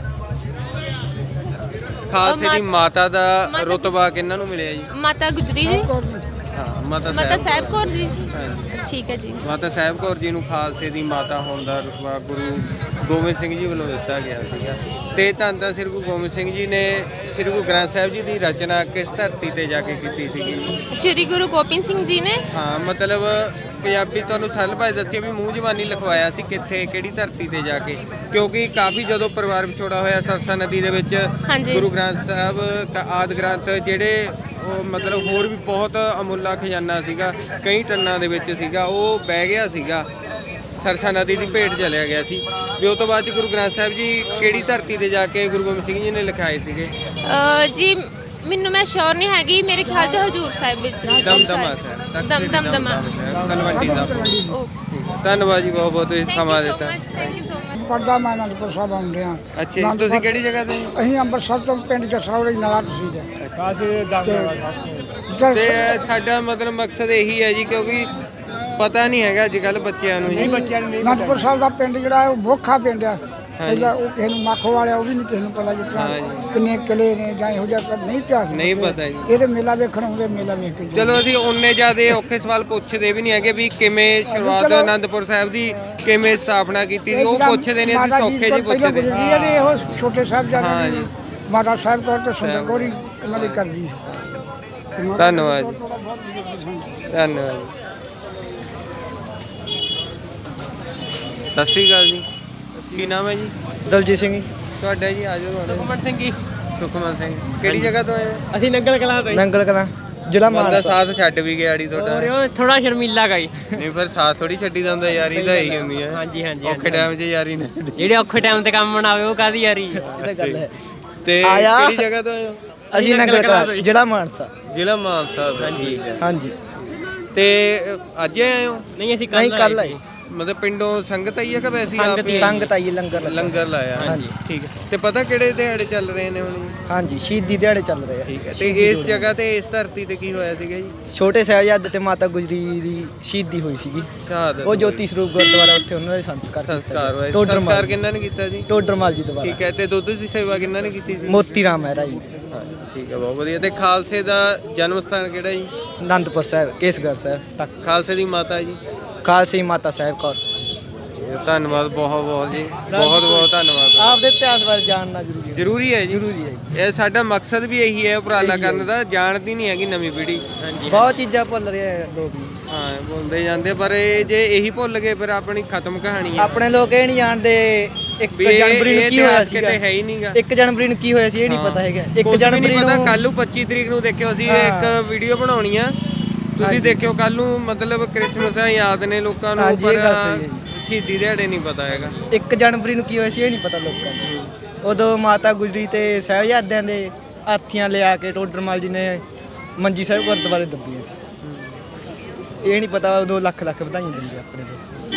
ਖਾਲਸੇ ਦੀ ਮਾ- ਮਾਤਾ ਦਾ ਮਾਤਾ ਰੁਤਬਾ ਕਿਹਨਾਂ ਨੂੰ ਮਿਲਿਆ ਜੀ? ਮਾਤਾ ਗੁਜਰੀ ਜੀ, ਹਾਂ, ਮਾਤਾ ਮਾਤਾ ਸਾਹਿਬ ਸਾਹਿਬ ਕੌਰ ਜੀ। ਹਾਂਜੀ। ਠੀਕ ਹੈ ਜੀ। ਮਾਤਾ ਸਾਹਿਬ ਕੌਰ ਜੀ ਨੂੰ ਖਾਲਸੇ ਦੀ ਮਾਤਾ ਹੋਣ ਦਾ ਰੁਤਬਾ ਗੁਰੂ ਗੋਬਿੰਦ ਸਿੰਘ ਜੀ ਵੱਲੋਂ ਦਿੱਤਾ ਗਿਆ ਸੀਗਾ। ਤੇ ਧੰਨ ਧੰਨ ਸ੍ਰੀ ਗੁਰੂ ਗੋਬਿੰਦ ਸਿੰਘ ਜੀ ਨੇ ਸ੍ਰੀ ਗੁਰੂ ਗ੍ਰੰਥ ਸਾਹਿਬ ਜੀ ਦੀ ਰਚਨਾ ਕਿਸ ਧਰਤੀ ਤੇ ਜਾ ਕੇ ਕੀਤੀ ਸੀਗੀ ਜੀ? ਸ਼੍ਰੀ ਗੁਰੂ ਗੋਬਿੰਦ ਸਿੰਘ ਜੀ ਨੇ ਹਾਂ, ਮਤਲਬ ਪੰਜਾਬੀ ਤੁਹਾਨੂੰ ਸਰਲ ਭਾਸ਼ਾ ਦੱਸਿਆ ਵੀ ਮੂੰਹ ਜ਼ਬਾਨੀ ਲਿਖਵਾਇਆ ਸੀ ਕਿੱਥੇ, ਕਿਹੜੀ ਧਰਤੀ ਤੇ ਜਾ ਕੇ, ਕਿਉਂਕਿ ਕਾਫੀ ਜਦੋਂ ਪਰਿਵਾਰ ਵਿਛੋੜਾ ਹੋਇਆ ਸਰਸਾ ਨਦੀ ਦੇ ਵਿੱਚ ਹਾਂਜੀ। ਗੁਰੂ ਗ੍ਰੰਥ ਸਾਹਿਬ ਕ- ਆਦਿ ਗ੍ਰੰਥ ਜਿਹੜੇ ਉਹ ਮਤਲਬ ਹੋਰ ਵੀ ਬਹੁਤ ਅਮੁੱਲਾ ਖਜ਼ਾਨਾ ਸੀਗਾ, ਕਈ ਟੰਨਾਂ ਦੇ ਵਿੱਚ ਸੀਗਾ, ਉਹ ਬਹਿ ਗਿਆ ਸੀਗਾ, ਸਰਸਾ ਨਦੀ ਦੀ ਭੇਟ ਚਲਿਆ ਗਿਆ ਸੀ। ਵੀ ਉਹ ਤੋਂ ਬਾਅਦ 'ਚ ਗੁਰੂ ਗ੍ਰੰਥ ਸਾਹਿਬ ਜੀ ਕਿਹੜੀ ਧਰਤੀ ਤੇ ਜਾ ਕੇ ਗੁਰੂ ਗੋਬਿੰਦ ਸਿੰਘ ਜੀ ਨੇ ਲਿਖਾਏ ਸੀਗੇ? ਅ, ਜੀ ਮੈਨੂੰ ਮੈਂ ਸ਼ੋਰ ਨਹੀਂ ਹੈਗੀ, ਮੇਰੇ ਖਿਆਲ 'ਚ ਹਜੂਰ ਸਾਹਿਬ ਵਿੱਚ। ਦਮਦਮਾ ਸਾਹਿਬ, ਦਮ ਦਮ ਦਮਾ। ਤਲਵੰਡੀ ਸਾਹਿਬ। ਓਕੇ, ਧੰਨਵਾਦ ਜੀ, ਬਹੁਤ ਬਹੁਤ ਤੁਸੀਂ ਥੈਂਕ ਸਮਾਂ ਯੂ ਸੋ ਦਿੱਤਾ। Much, thank you so much. ਪੜਦਾ ਮੈਂ ਅਨੰਦਪੁਰ ਸਾਹਿਬ ਆਉਂਦੇ ਆ। ਅੱਛਾ ਜੀ, ਤੁਸੀਂ ਕਿਹੜੀ ਜਗ੍ਹਾ ਤੇ ਜੀ? ਅਸੀਂ ਅੰਮ੍ਰਿਤਸਰ ਤੋਂ ਪਿੰਡ ਜਸਰੌਲੀ ਨਲਾ ਤਸੀਲ ਹੈ ਤੇ ਤੇ ਸਾਡਾ ਮਤਲਬ ਮਕਸਦ ਇਹੀ ਹੈ ਜੀ, ਕਿਉਂਕਿ ਪਤਾ ਨਹੀਂ ਹੈਗਾ ਅੱਜ ਕੱਲ ਬੱਚਿਆਂ ਨੂੰ ਜੀ। ਅਨੰਦਪੁਰ ਸਾਹਿਬ ਦਾ ਪਿੰਡ ਜਿਹੜਾ ਹੈ ਉਹ ਮੋਖਾ ਪਿੰਡ ਆ। ਪਹਿਲਾਂ ਉਹ ਕਿਸੇ ਨੂੰ ਮਾਖੋ ਵਾਲਿਆ ਉਹ ਵੀ ਨਹੀਂ ਕਿਸੇ ਨੂੰ ਪਤਾ ਜਿਸ ਤਰ੍ਹਾਂ ਕਿੰਨੇ ਕਿਲੇ ਨੇ ਜਾਂ ਇਹੋ ਜਿਹਾ ਕੁਝ ਨਹੀਂ ਇਤਿਹਾਸ ਨਹੀਂ ਪੁੱਛਦੇ। ਪਤਾ ਜੀ। ਇਹਦੇ ਮੇਲਾ ਵੇਖਣ ਆਉਂਦੇ, ਮੇਲਾ ਵੇਖ ਕੇ ਜਾਂਦੇ। ਚਲੋ ਅਸੀਂ ਉਨੇ ਜ਼ਿਆਦੇ ਔਖੇ ਸਵਾਲ ਪੁੱਛਦੇ ਵੀ ਨਹੀਂ ਹੈਗੇ ਵੀ ਕਿਵੇਂ ਸ਼ੁਰੂਆਤ ਚਲੋ। ਅਨੰਦਪੁਰ ਸਾਹਿਬ ਦੀ ਕਿਵੇਂ ਸਥਾਪਨਾ ਕੀਤੀ ਸੀ, ਇਹ ਉਹ ਜਿਹੜਾ ਪੁੱਛਦੇ ਨੇ, ਅਸੀਂ ਮਾਤਾ ਜੀ ਸੌਖੇ ਜੀ ਕੋਲ ਪਹਿਲਾਂ ਪੁੱਛਦੇ। ਗੁਜ਼ਰੀ ਹੈ ਤੇ ਇਹੋ ਛੋਟੇ ਸਾਹਿਬ ਹਾਂ ਜਾਂਦੇ ਜੀ। ਨੇ ਮਾਤਾ ਸਾਹਿਬ ਕੌਰ ਤੇ ਸੁੰਦਰ ਕੌਰ ਹੀ ਉਹਨਾਂ ਦੀ ਕਰਦੀ ਧੰਨਵਾਦ ਜੀ। ਧੰਨਵਾਦ ਜੀ। ਸਤਿ ਸ਼੍ਰੀ ਅਕਾਲ ਜੀ, ਕੀ ਨਾਮ ਹੈ ਜੀ? ਦਲਜੀਤ ਸਿੰਘ ਜੀ। ਤੁਹਾਡਾ ਜੀ? ਆਜੋ ਤੁਹਾਡਾ। ਸੁਖਮਨ ਸਿੰਘ ਜੀ। ਸੁਖਮਨ ਸਿੰਘ, ਕਿਹੜੀ ਜਗ੍ਹਾ ਤੋਂ ਆਏ ਹੋ? ਅਸੀਂ ਨੰਗਲ ਕਲਾਂ ਤੋਂ ਨੰਗਲ ਕਲਾਂ ਜ਼ਿਲ੍ਹਾ ਬੰਦਾ ਮਾਨਸਾ। ਸਾਥ ਛੱਡ ਵੀ ਗਿਆ ਜੀ ਤੁਹਾਡਾ। ਉਹ ਥੋੜਾ ਸ਼ਰਮੀਲਾ ਗਈ। ਨਹੀਂ ਫਿਰ ਸਾਥ ਥੋੜੀ ਛੱਡੀ ਦਾ ਹੁੰਦਾ, ਯਾਰੀ ਦਾ ਹੀ ਹੁੰਦੀ ਹੈ। ਹਾਂਜੀ, ਹਾਂਜੀ, ਔਖੇ ਟਾਈਮ 'ਚ ਯਾਰੀ ਨਹੀਂ। ਜਿਹੜੇ ਔਖੇ ਟਾਈਮ ਤੇ ਕੰਮ ਬਣਾਵੇ ਉਹ ਕਾਦੀ ਯਾਰੀ। ਇਹ ਤਾਂ ਗੱਲ ਹੈ। ਤੇ ਆਇਆ। ਕਿਹੜੀ ਜਗ੍ਹਾ ਤੋਂ ਆਏ ਹੋ? ਅਸੀਂ ਨੰਗਲ ਕਲਾਂ ਜ਼ਿਲ੍ਹਾ ਮਾਨਸਾ। ਜ਼ਿਲ੍ਹਾ ਮਾਨਸਾ ਤੋਂ। ਹਾਂਜੀ। ਹਾਂਜੀ। ਤੇ ਅੱਜ ਆਏ ਹੋ? ਨਹੀਂ ਅਸੀਂ ਨਹੀਂ ਕੱਲ ਆਏ। ਮਤਲਬ ਪਿੰਡੋਂ ਸੰਗਤ ਆਈ ਹੈ ਕਿ ਵੈਸੇ ਹੀ ਸੰਗਤ ਆਪ ਹੀ ਹੀ? ਸੰਗਤ ਆਈ ਲੰਗਰ ਲੱਗਾ। ਲੰਗਰ ਲਾਇਆ। ਹਾਂਜੀ। ਠੀਕ ਹੈ। ਤੇ ਪਤਾ ਕਿਹੜੇ ਦਿਹਾੜੇ ਚੱਲ ਰਹੇ ਨੇ ਹੁਣ ਜੀ? ਹਾਂਜੀ ਸ਼ਹੀਦੀ ਦਿਹਾੜੇ ਚੱਲ ਰਹੇ ਆ। ਠੀਕ ਹੈ। ਤੇ ਇਸ ਜਗ੍ਹਾ ਤੇ ਇਸ ਧਰਤੀ ਤੇ ਕੀ ਹੋਇਆ ਸੀਗਾ ਜੀ? ਛੋਟੇ ਸਾਹਿਬਜ਼ਾਦੇ ਤੇ ਮਾਤਾ ਗੁਜਰੀ ਦੀ ਸ਼ਹੀਦੀ ਹੋਈ ਸੀਗੀ। ਸ਼ਹਾਦਤ ਉਹ ਜੋਤੀ ਸਰੂਪ ਗੁਰਦੁਆਰਾ ਉੱਥੇ ਉਹਨਾਂ ਦੇ ਸੰਸਕਾਰ ਕੀਤਾ ਸੰਸਕਾਰ ਹੋਇਆ। ਟੋਡਰ ਸੰਸਕਾਰ ਮਾਲ ਕਿੰਨਾ ਨੇ ਕੀਤਾ ਜੀ? ਟੋਡਰਮਲ ਜੀ ਦੁਆਰਾ। ਠੀਕ ਹੈ। ਤੇ ਦੁੱਧ ਦੀ ਸੇਵਾ ਕਿੰਨਾ ਨੇ ਕੀਤੀ ਸੀ? ਮੋਤੀ ਰਾਮ ਮਹਿਰਾ ਜੀ। ਹਾਂਜੀ, ਠੀਕ ਹੈ, ਬਹੁਤ ਵਧੀਆ। ਤੇ ਖਾਲਸੇ ਦਾ ਜਨਮ ਸਥਾਨ ਕਿਹੜਾ ਜੀ? ਅਨੰਦਪੁਰ ਸਾਹਿਬ ਕੇਸਗੜ੍ਹ ਸਾਹਿਬ ਤੱਕ। ਖਾਲਸੇ ਦੀ ਮਾਤਾ ਜੀ? ਖਾਲਸੀ ਮਾਤਾ ਸਾਹਿਬ ਕੌਰ। ਧੰਨਵਾਦ, ਬਹੁਤ ਬਹੁਤ ਜੀ, ਬਹੁਤ ਬਹੁਤ ਧੰਨਵਾਦ। ਆਪਦੇ ਇਤਿਹਾਸ ਬਾਰੇ ਜਾਣਨਾ ਜ਼ਰੂਰੀ ਹੈ। ਜ਼ਰੂਰੀ ਹੈ ਜੀ। ਜ਼ਰੂਰੀ ਹੈ। ਇਹ ਸਾਡਾ ਮਕਸਦ ਵੀ ਇਹੀ ਹੈ ਉਪਰਾਲਾ ਕਰਨ ਦਾ, ਜਾਣਦੀ ਨਹੀਂ ਹੈਗੀ ਨਵੀਂ ਪੀੜ੍ਹੀ। ਬਹੁਤ ਚੀਜ਼ਾਂ ਭੁੱਲ ਰਹੇ ਆ ਲੋਕ ਵੀ। ਹਾਂ, ਬੋਲਦੇ ਜਾਂਦੇ, ਪਰ ਇਹ ਜੇ ਇਹੀ ਭੁੱਲ ਗਏ ਫਿਰ ਆਪਣੀ ਖਤਮ ਕਹਾਣੀ ਹੈ। ਆਪਣੇ ਲੋਕ ਇਹ ਨਹੀਂ ਜਾਣਦੇ ਇੱਕ ਵੀ ਇਹ- ਜਨਵਰੀ ਨੂੰ ਇਹ ਕੀ ਹੋਇਆ ਇਤਿਹਾਸ ਸੀਗਾ। ਕਿਤੇ ਹੈ ਹੀ ਨਹੀਂਗਾ। ਇੱਕ ਜਨਵਰੀ ਨੂੰ ਕੀ ਹੋਇਆ ਸੀ ਇਹ ਨਹੀਂ ਪਤਾ ਹੈਗਾ। ਇੱਕ ਕੁਛ ਵੀ ਜਨਵਰੀ ਨਹੀਂ ਪਤਾ। ਨੂੰ ਕੱਲ ਨੂੰ ਪੱਚੀ ਤਰੀਕ ਨੂੰ ਦੇਖਿਓ, ਅਸੀਂ ਇੱਕ ਵੀਡੀਓ ਬਣਾਉਣੀ ਆ, ਤੁਸੀਂ ਦੇਖਿਓ ਕੱਲ ਨੂੰ। ਮਤਲਬ ਕ੍ਰਿਸਮਸ ਆ, ਯਾਦ ਨੇ ਲੋਕਾਂ ਨੂੰ, ਹਾਂਜੀ, ਇਹ ਪਰ ਗੱਲ ਸਹੀ ਹੈ ਜੀ। ਸ਼ਹੀਦੀ ਦਿਹਾੜੇ ਨਹੀਂ ਪਤਾ ਹੈਗਾ। ਇੱਕ ਜਨਵਰੀ ਨੂੰ ਕੀ ਹੋਇਆ ਸੀ ਇਹ ਨਹੀਂ ਪਤਾ ਲੋਕਾਂ ਨੂੰ। ਉਦੋਂ ਮਾਤਾ ਗੁਜਰੀ ਤੇ ਸਾਹਿਬਜ਼ਾਦਿਆਂ ਦੇ ਹਾਥੀਆਂ ਲਿਆ ਕੇ ਟੋਡਰਮਲ ਜੀ ਨੇ ਮੰਜੀ ਸਾਹਿਬ ਗੁਰਦੁਆਰੇ ਦੱਬੀਆਂ ਸੀ। ਇਹ ਨਹੀਂ ਪਤਾ ਉਦੋਂ ਲੱਖ ਲੱਖ ਵਧਾਈਆਂ ਦਿੰਦੇ ਆਪਣੇ ਲੋਕ।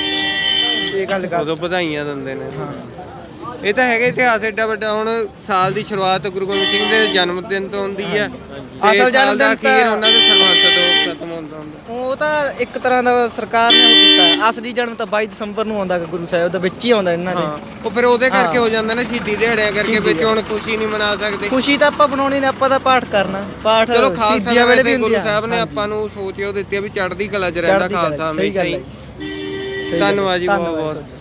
ਇਹ ਗੱਲ ਕਰ ਉਦੋਂ ਵਧਾਈਆਂ ਦਿੰਦੇ ਨੇ। ਹਾਂ। ਇਹ ਤਾਂ ਹੈਗਾ ਇਤਿਹਾਸ ਐਡਾ ਵੱਡਾ। ਹੁਣ ਸਾਲ ਦੀ ਸ਼ੁਰੂਆਤ ਗੁਰੂ ਗੋਬਿੰਦ ਸਿੰਘ ਦੇ ਜਨਮ ਦਿਨ ਤੋਂ ਹੁੰਦੀ ਹੈ, ਤੇ ਅਸਲ ਸਾਲ ਦਾ ਜਨਮ ਦਿਨ ਅਖੀਰ ਤਾਂ- ਉਹਨਾਂ ਦੇ ਸਰਬੰਸ ਤੋਂ ਖਤਮ ਹੁੰਦਾ ਹੁੰਦਾ। ਉਹ ਤਾਂ ਇੱਕ ਤਰ੍ਹਾਂ ਦਾ ਸਰਕਾਰ ਨੇ ਉਹ ਕੀਤਾ ਹੈ। ਅਸਲੀ ਜਨਮ ਤਾਂ ਬਾਈ ਦਸੰਬਰ ਨੂੰ ਆਉਂਦਾ ਗੁਰੂ ਸਾਹਿਬ ਦਾ, ਵਿੱਚ ਹੀ ਆਉਂਦਾ ਇਹਨਾਂ ਦੇ। ਹਾਂ, ਉਹ ਫਿਰ ਉਹਦੇ ਕਰਕੇ ਹੋ ਜਾਂਦਾ ਨਾ, ਸ਼ਹੀਦੀ ਦਿਹਾੜਿਆਂ ਕਰਕੇ। ਵਿੱਚ ਹੁਣ ਖੁਸ਼ੀ ਨਹੀਂ ਮਨਾ ਸਕਦੇ। ਖੁਸ਼ੀ ਤਾਂ ਆਪਾਂ ਬਣਾਉਣੀ ਨੇ, ਆਪਾਂ ਤਾਂ ਪਾਠ ਕਰਨਾ। ਪਾਠ ਚਲੋ ਖਾਲਸਾ ਸ਼ਹੀਦੀਆਂ ਵੇਲੇ ਵੀ ਵੈਸੇ ਗੁਰੂ ਹੁੰਦੀ ਆ। ਸਾਹਿਬ ਨੇ ਹਾਂਜੀ। ਆਪਾਂ ਨੂੰ ਸੋਚ ਉਹ ਦਿੱਤੀ ਆ ਵੀ ਚੜ੍ਹਦੀ ਕਲਾ 'ਚ ਰਹਿੰਦਾ ਚੜ੍ਹਦੀ ਕਲਾ 'ਚ, ਖਾਲਸਾ ਸਹੀ ਹਮੇਸ਼ਾ ਗੱਲ ਹੀ। ਹੈ। ਸਹੀ ਗੱਲ ਹੈ। ਧੰਨਵਾਦ ਜੀ, ਬਹੁਤ ਧੰਨਵਾਦ ਬਹੁਤ।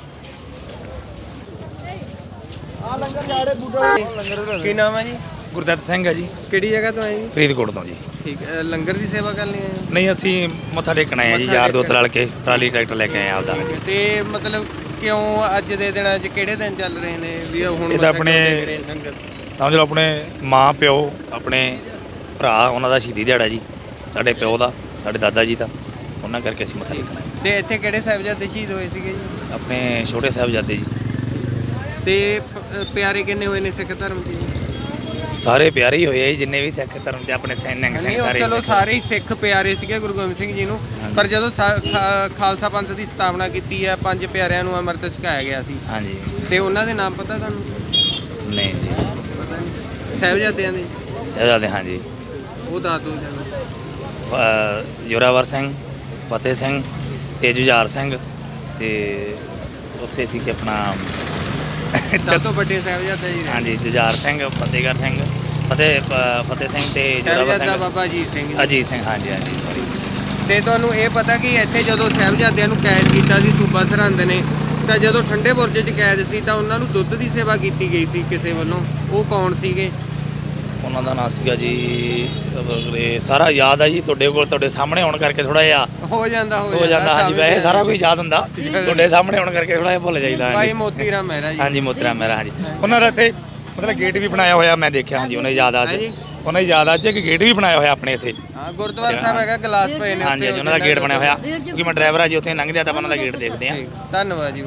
ਕੀ ਨਾਮ ਹੈ ਜੀ? ਗੁਰਦੱਤ ਸਿੰਘ ਹੈ ਜੀ, ਕਿਹੜੀ ਜਗ੍ਹਾ ਤੋਂ ਆਏ ਜੀ? ਫਰੀਦਕੋਟ ਤੋਂ ਜੀ। ਠੀਕ ਹੈ। ਲੰਗਰ ਦੀ ਸੇਵਾ ਕਰਨੀ ਹੈ? ਨਹੀਂ ਅਸੀਂ ਮੱਥਾ ਟੇਕਣ ਆਏ ਆ ਜੀ, ਮੱਥਾ ਯਾਰ ਦੋਸਤ ਟੇਕਣ। ਰਲ ਕੇ ਟਰਾਲੀ ਟਰੈਕਟਰ ਲੈ ਕੇ ਆਏ ਆ ਆਪਦਾ। ਤੇ ਮਤਲਬ ਕਿਉਂ ਅੱਜ ਦੇ ਦਿਨਾਂ 'ਚ ਕਿਹੜੇ ਦਿਨ ਚੱਲ ਰਹੇ ਨੇ ਵੀ ਉਹ ਹੁਣ ਇਹ ਤਾਂ ਮੱਥਾ ਕਿਉਂ ਆਪਣੇ- ਟੇਕ ਰਹੇ ਨੇ ਲੰਗਰ? ਸਮਝ ਲਓ ਆਪਣੇ ਮਾਂ ਪਿਓ, ਆਪਣੇ ਭਰਾ, ਉਹਨਾਂ ਦਾ ਸ਼ਹੀਦੀ ਦਿਹਾੜਾ ਜੀ। ਸਾਡੇ ਪਿਓ ਦਾ, ਸਾਡੇ ਦਾਦਾ ਜੀ ਦਾ, ਉਹਨਾਂ ਕਰਕੇ ਅਸੀਂ ਮੱਥਾ ਟੇਕਣ ਆਏ। ਤੇ ਇੱਥੇ ਕਿਹੜੇ ਸਾਹਿਬਜ਼ਾਦੇ ਸ਼ਹੀਦ ਹੋਏ ਸੀਗੇ ਜੀ? ਆਪਣੇ ਛੋਟੇ ਸਾਹਿਬਜ਼ਾਦੇ ਜੀ। ਤੇ ਪ- ਪਿਆਰੇ ਕਿੰਨੇ ਹੋਏ ਨੇ ਸਿੱਖ ਧਰਮ 'ਚ ਜੀ? ਸਾਰੇ ਪਿਆਰੇ ਹੀ ਹੋਏ ਆ ਜੀ, ਜਿੰਨੇ ਵੀ ਸਿੱਖ ਧਰਮ 'ਚ ਆਪਣੇ ਸਿੰਘ ਸਿੰਘ ਨਹੀਂ, ਉਹ ਸਾਰੇ। ਚਲੋ ਸਾਰੇ ਹੀ ਸਿੱਖ ਪਿਆਰੇ ਸੀਗੇ ਗੁਰੂ ਗੋਬਿੰਦ ਸਿੰਘ ਜੀ ਨੂੰ, ਪਰ ਜਦੋਂ ਸਾ- ਖਾ- ਖਾਲਸਾ ਪੰਥ ਦੀ ਸਥਾਪਨਾ ਕੀਤੀ ਹੈ, ਪੰਜ ਪਿਆਰਿਆਂ ਨੂੰ ਅੰਮ੍ਰਿਤ ਛਕਾਇਆ ਗਿਆ ਸੀ, ਹਾਂਜੀ। ਤੇ ਉਹਨਾਂ ਦੇ ਨਾਮ ਪਤਾ ਤੁਹਾਨੂੰ? ਨਹੀਂ ਜੀ। ਪਤਾ ਨਹੀਂ। ਸਾਹਿਬਜ਼ਾਦਿਆਂ ਦੇ ਸਾਹਿਬਜ਼ਾਦੇ ਹਾਂਜੀ। ਉਹ ਦੱਸ ਦਿਓ ਜਰਾ। ਅ, ਜ਼ੋਰਾਵਰ ਸਿੰਘ, ਫਤਿਹ ਸਿੰਘ ਤੇ ਜੁਝਾਰ ਸਿੰਘ ਤੇ ਉੱਥੇ ਸੀ ਕਿ ਆਪਣਾ ਸਭ ਤੋਂ ਵੱਡੇ ਸਾਹਿਬਜ਼ਾਦੇ ਜੀ ਨੇ। ਹਾਂਜੀ ਜੁਝਾਰ ਸਿੰਘ, ਫਤਿਹਗੜ੍ਹ ਸਿੰਘ, ਫਤਿਹ ਪ- ਫਤਿਹ ਸਿੰਘ ਤੇ ਜ਼ੋਰਾਵਰ ਸਾਹਿਬਜ਼ਾਦਾ ਸਿੰਘ, ਬਾਬਾ ਅਜੀਤ ਸਿੰਘ ਜੀ। ਅਜੀਤ ਸਿੰਘ ਹਾਂਜੀ ਹਾਂਜੀ ਸੌਰੀ। ਤੇ ਤੁਹਾਨੂੰ ਇਹ ਪਤਾ ਕਿ ਇੱਥੇ ਜਦੋਂ ਸਾਹਿਬਜ਼ਾਦਿਆਂ ਨੂੰ ਕੈਦ ਕੀਤਾ ਸੀ ਸੂਬਾ ਸਰਹੰਦ ਨੇ, ਤਾਂ ਜਦੋਂ ਠੰਡੇ ਬੁਰਜ 'ਚ ਕੈਦ ਸੀ ਤਾਂ ਉਹਨਾਂ ਨੂੰ ਦੁੱਧ ਦੀ ਸੇਵਾ ਕੀਤੀ ਗਈ ਸੀ ਕਿਸੇ ਵੱਲੋਂ। ਉਹ ਕੌਣ ਸੀਗੇ? ਉਹਨਾਂ ਦਾ ਨਾਮ ਸੀਗਾ ਜੀ ਇਹ ਸਾਰਾ ਯਾਦ ਆ ਜੀ ਤੁਹਾਡੇ ਕੋਲ, ਤੁਹਾਡੇ ਸਾਹਮਣੇ ਹੋਣ ਕਰਕੇ ਥੋੜਾ ਜਿਹਾ ਹੋ ਜਾਂਦਾ ਹੋ ਜਾਂਦਾ ਹਾਂਜੀ। ਵੈਸੇ ਸਾਰਾ ਕੁਝ ਯਾਦ ਹੁੰਦਾ, ਤੁਹਾਡੇ ਸਾਹਮਣੇ ਹੋਣ ਕਰਕੇ ਥੋੜਾ ਜਿਹਾ ਭੁੱਲ ਜਾਈਦਾ ਭਾਈ ਹਾਂਜੀ। ਮੋਤੀ ਰਾਮ ਮਹਿਰਾ ਜੀ। ਹਾਂਜੀ ਮੋਤੀ ਰਾਮ ਮਹਿਰਾ ਹਾਂਜੀ। ਉਹਨਾਂ ਦਾ ਇੱਥੇ ਮਤਲਬ ਗੇਟ ਵੀ ਬਣਾਇਆ ਹੋਇਆ ਮੈਂ ਦੇਖਿਆ ਹਾਂਜੀ। ਉਹਨਾਂ ਦੀ ਯਾਦ ਅੱਜ ਹਾਂਜੀ। ਉਹਨਾਂ ਦੀ ਯਾਦ ਅੱਜ ਇੱਕ ਗੇਟ ਵੀ ਬਣਾਇਆ ਹੋਇਆ ਆਪਣੇ ਇੱਥੇ ਹਾਂ ਗੁਰਦੁਆਰਾ ਸਾਹਿਬ ਹੈਗਾ, ਗਲਾਸ ਪਏ ਨੇ ਹਾਂਜੀ ਹਾਂਜੀ। ਉਹਨਾਂ ਦਾ ਗੇਟ ਬਣਿਆ ਹੋਇਆ ਕਿਉਂਕਿ ਮੈਂ ਡਰਾਈਵਰ ਆ ਜੀ, ਉੱਥੇ ਲੰਘਦੇ ਆ ਤਾਂ ਆਪਾਂ ਉਹਨਾਂ ਦਾ ਗੇਟ ਦੇਖਦੇ ਆ। ਧੰਨਵਾਦ ਜੀ।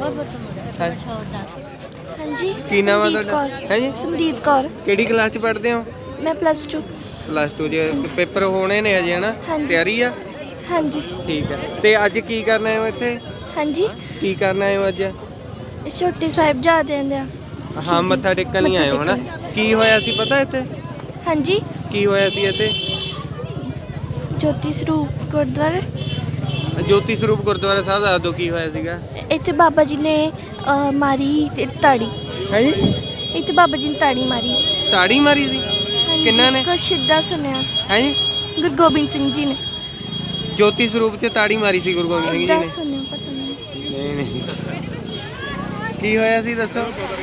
ਹਾਂਜੀ ਕੀ ਨਾਮ ਆ ਸਮਰੀਤ ਤੁਹਾਡਾ? ਕੌਰ। ਹੈਂ ਜੀ? ਸਮਰੀਤ ਕੌਰ। ਕਿਹੜੀ ਕਲਾਸ 'ਚ ਪੜ੍ਹਦੇ ਹੋ? ਮੈਂ ਪਲੱਸ ਟੂ। ਪਲੱਸ ਟੂ 'ਚ ਪੇਪਰ ਹੋਣੇ ਨੇ ਅਜੇ ਹਨਾ? ਹਾਂਜੀ। ਤਿਆਰੀ ਆ? ਹਾਂਜੀ ਠੀਕ ਹੈ। ਤੇ ਅੱਜ ਕੀ ਕਰਨਾ ਹੈ ਇੱਥੇ? ਹਾਂਜੀ ਕੀ ਕਰਨਾ ਹੈ ਅੱਜ? ਛੋਟੇ ਸਾਹਿਬਜ਼ਾਦਿਆਂ ਦਾ। ਹਾਂ ਮੱਥਾ ਟੇਕਣ ਲਈ ਆਏ ਹੋ ਹਨਾ? ਕੀ ਹੋਇਆ ਸੀ ਪਤਾ ਇੱਥੇ? ਹਾਂਜੀ ਕੀ ਹੋਇਆ ਸੀ ਇੱਥੇ? ਜੋਤੀ ਸਰੂਪ ਗੁਰਦੁਆਰਾ। ਜੋਤੀ ਸਰੂਪ ਗੁਰਦੁਆਰਾ ਸਾਹਿਬ ਦੱਸ ਦਿਓ ਕੀ ਹੋਇਆ ਸੀਗਾ। ਇੱਥੇ ਬਾਬਾ ਜੀ ਨੇ ਅ, ਮਾਰੀ ਤੇ ਤਾੜੀ। ਹੈ ਜੀ? ਇੱਥੇ ਬਾਬਾ ਜੀ ਨੇ ਤਾੜੀ ਮਾਰੀ। ਤਾੜੀ ਮਾਰੀ ਸੀ? ਹਾਂਜੀ, ਕਿੰਨਾਂ ਨੇ? ਕੁਛ ਏਦਾਂ ਸੁਣਿਆ। ਹੈ ਜੀ? ਗੁਰੂ ਗੋਬਿੰਦ ਸਿੰਘ ਜੀ ਨੇ। ਜੋਤੀ ਸਰੂਪ 'ਚ ਤਾੜੀ ਮਾਰੀ ਸੀ ਗੁਰੂ ਗੋਬਿੰਦ ਸਿੰਘ ਜੀ ਏਦਾਂ ਨੇ? ਸੁਣਿਆ, ਪਤਾ ਨਹੀਂ। ਨਹੀਂ ਨਹੀਂ। ਕੀ ਹੋਇਆ ਸੀ ਦੱਸੋ?